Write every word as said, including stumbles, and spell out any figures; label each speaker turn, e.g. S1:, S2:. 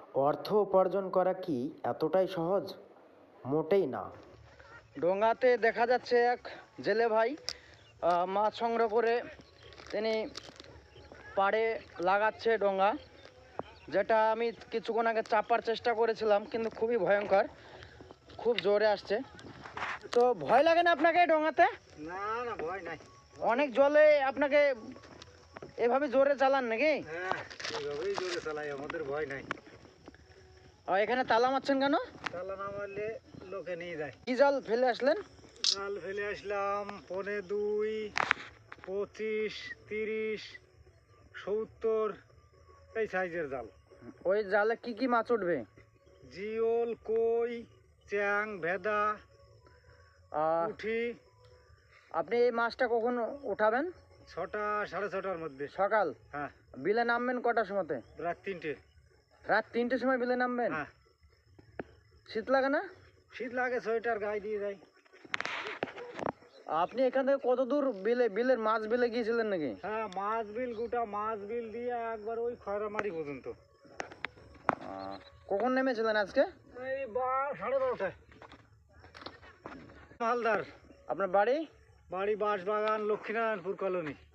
S1: অর্থ উপার্জন করা কি এতটাই সহজ? মোটেই না।
S2: ডোঙ্গাতে দেখা যাচ্ছে এক জেলে ভাই আহ, মাছ সংগ্রহ করে তিনি পাড়ে লাগাচ্ছে ডোঙ্গা, যেটা আমি কিছুক্ষণ আগে চাপার চেষ্টা করেছিলাম, কিন্তু খুবই ভয়ঙ্কর, খুব জোরে আসছে। তো ভয় লাগে না আপনাকে ডোঙ্গাতে?
S3: না না, ভয় নাই।
S2: অনেক জলে আপনাকে এভাবে জোরে চালান নাকি?
S3: হ্যাঁ, এইভাবেই জোরে চালাই, আমাদের ভয় নাই।
S2: আর এখানে তালা মারছেন কেন?
S3: তালা না মারলে লোকে নিয়ে যায়।
S2: কি জাল ফেলে আসলেন?
S3: জাল ফেলে আসলাম পনে দুই, পঁচিশ, তিরিশ, সত্তর এই সাইজের জাল।
S2: ওই জালে কি কি মাছ উঠবে?
S3: জিওল, কই, চ্যাং, ভেদা,
S2: আর
S3: পুঁটি।
S2: আপনি এই মাছটা কখন উঠাবেন?
S3: ছটা সাড়ে ছটার মধ্যে।
S2: সকাল?
S3: হ্যাঁ।
S2: বিলে নামবেন কটার সময়তে?
S3: রাত তিনটে।
S2: রাত তিনটের সময় বিলে নামবেন?
S3: হ্যাঁ।
S2: শীত লাগে না?
S3: শীত লাগে, সোয়েটার গায়ে দিয়ে যায়।
S2: আপনি এখান থেকে কত দূর বিলে বিলের মাছ বিলে গিয়েছিলেন নাকি?
S3: হ্যাঁ, মাছ বিল, গোটা মাছ বিল দিয়ে একবার ওই খয়রামারি পর্যন্ত।
S2: আহ, কখন নেমেছিলেন আজকে?
S3: এই বা সাড়ে বারোটায়। মালদার।
S2: আপনার বাড়ি?
S3: বাড়ি বাঁশবাগান, লক্ষ্মীনারায়ণপুর কলোনি।